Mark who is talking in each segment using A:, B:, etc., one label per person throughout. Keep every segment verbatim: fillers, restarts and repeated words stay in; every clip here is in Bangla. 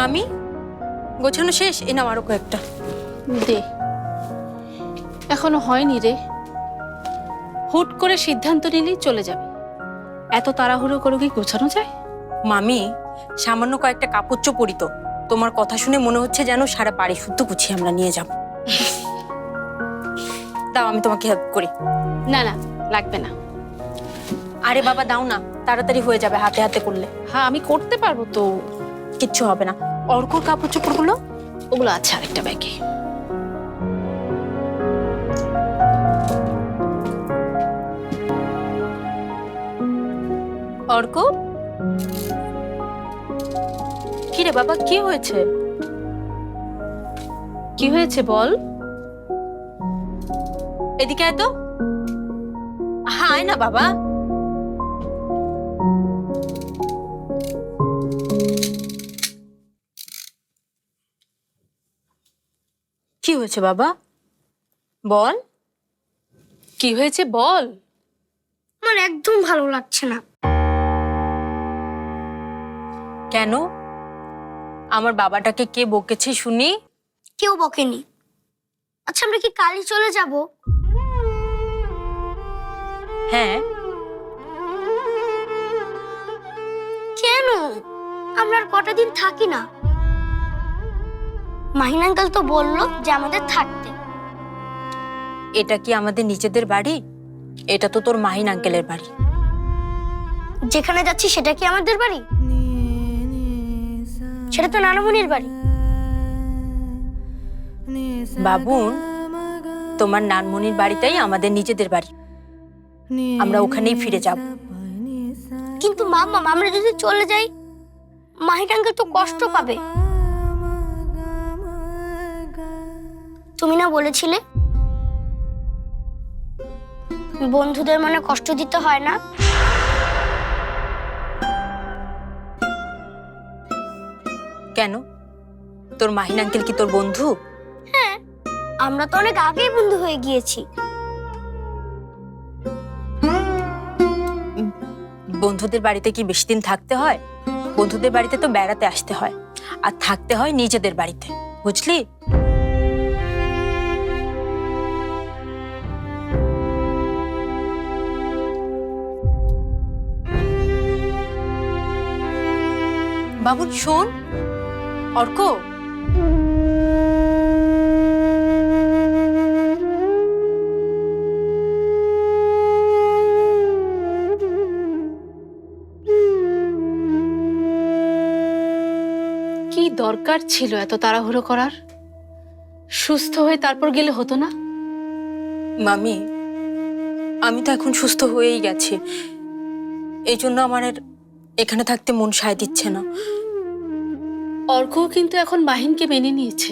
A: মামি গোছানো শেষ? এ নাও আরো কয়েকটা
B: দে। এখনো হয়নি রে, হুট করে সিদ্ধান্ত নিলেই চলে যাবে। এত তাড়াহুড়ো করে কি গোছানো যায়?
A: মামি সামান্য কয়েকটা কাপড় চোপড়ই তো, তোমার কথা শুনে মনে হচ্ছে যেন সারা বাড়ি শুদ্ধ গুছিয়ে আমরা নিয়ে যাব। দাও আমি তোমাকে হেল্প করি।
B: না না, লাগবে না।
A: আরে বাবা দাও না, তাড়াতাড়ি হয়ে যাবে হাতে হাতে করলে।
B: হ্যাঁ আমি করতে পারবো তো।
A: কিচ্ছু হবে না। অর্কর কাপড় চোপড়গুলো?
B: ওগুলো আছে আরেকটা ব্যাগে।
A: অর্ক, কি রে বাবা, কি হয়েছে?
B: কি হয়েছে বল।
A: এদিকে আয় তো। হ্যাঁ আয় না বাবা। কি হয়েছে বাবা বল।
B: কি হয়েছে বল।
C: আমার একদম ভালো লাগছে না।
A: কেন? আমার বাবাটাকে কে বকেছে শুনি?
C: কেউ বকেনি। আচ্ছা আমরা কি কালই চলে যাব?
A: হ্যাঁ।
C: কেন? আমরা আর কটা দিন থাকি না। মাহিন আঙ্কেল তো বললো যে আমাদের থাকতে।
A: এটা কি আমাদের নিজেদের বাড়ি? এটা তো তোর মাহিন আঙ্কেলের বাড়ি।
C: যেখানে যাচ্ছি সেটা কি আমাদের বাড়ি? সেটা তো নানামণির বাড়ি।
A: বাবুন, তোমার নানমনির বাড়িটাই আমাদের নিজেদের বাড়ি। আমরা ওখানেই ফিরে যাব।
C: কিন্তু মাম্মা, আমরা যদি চলে যাই মাহিন আঙ্কেল তো কষ্ট পাবে। তুমি না বলেছিলে বন্ধুদের মনে কষ্ট দিতে হয় না?
A: কেন, তোর মাহিন আঙ্কেল কি তোর বন্ধু?
C: হ্যাঁ, আমরা তো অনেক আগেই বন্ধু হয়ে গিয়েছি।
A: বন্ধুদের বাড়িতে কি বেশি দিন থাকতে হয়? বন্ধুদের বাড়িতে তো বেড়াতে আসতে হয়, আর থাকতে হয় নিজেদের বাড়িতে, বুঝলি? বাবুন শোন। অর্ক,
B: কি দরকার ছিল এত তাড়াহুড়ো করার? সুস্থ হয়ে তারপর গেলে হতো না?
A: মামি আমি তো এখন সুস্থ হয়েই গেছি, এই জন্য আমার আর এখানে থাকতে মন সায় দিচ্ছে না।
B: অর্ক কিন্তু এখন মাহিনকে মেনে নিয়েছে।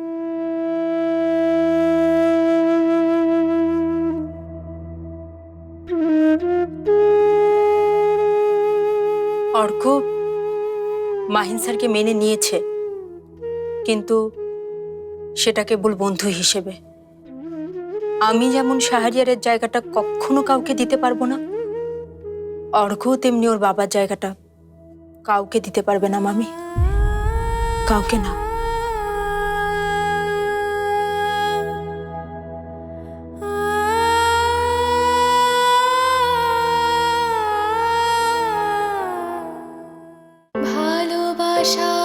A: অর্ক মাহিন স্যারকে মেনে নিয়েছে, কিন্তু সেটা কেবল বন্ধু হিসেবে। আমি যেমন শাহরিয়ারের জায়গাটা কখনো কাউকে দিতে পারবো না, অর্ঘ্য তেমনি ওর বাবার জায়গাটা কাউকে দিতে পারবে না মামি, কাউকে না।
D: ভালোবাসা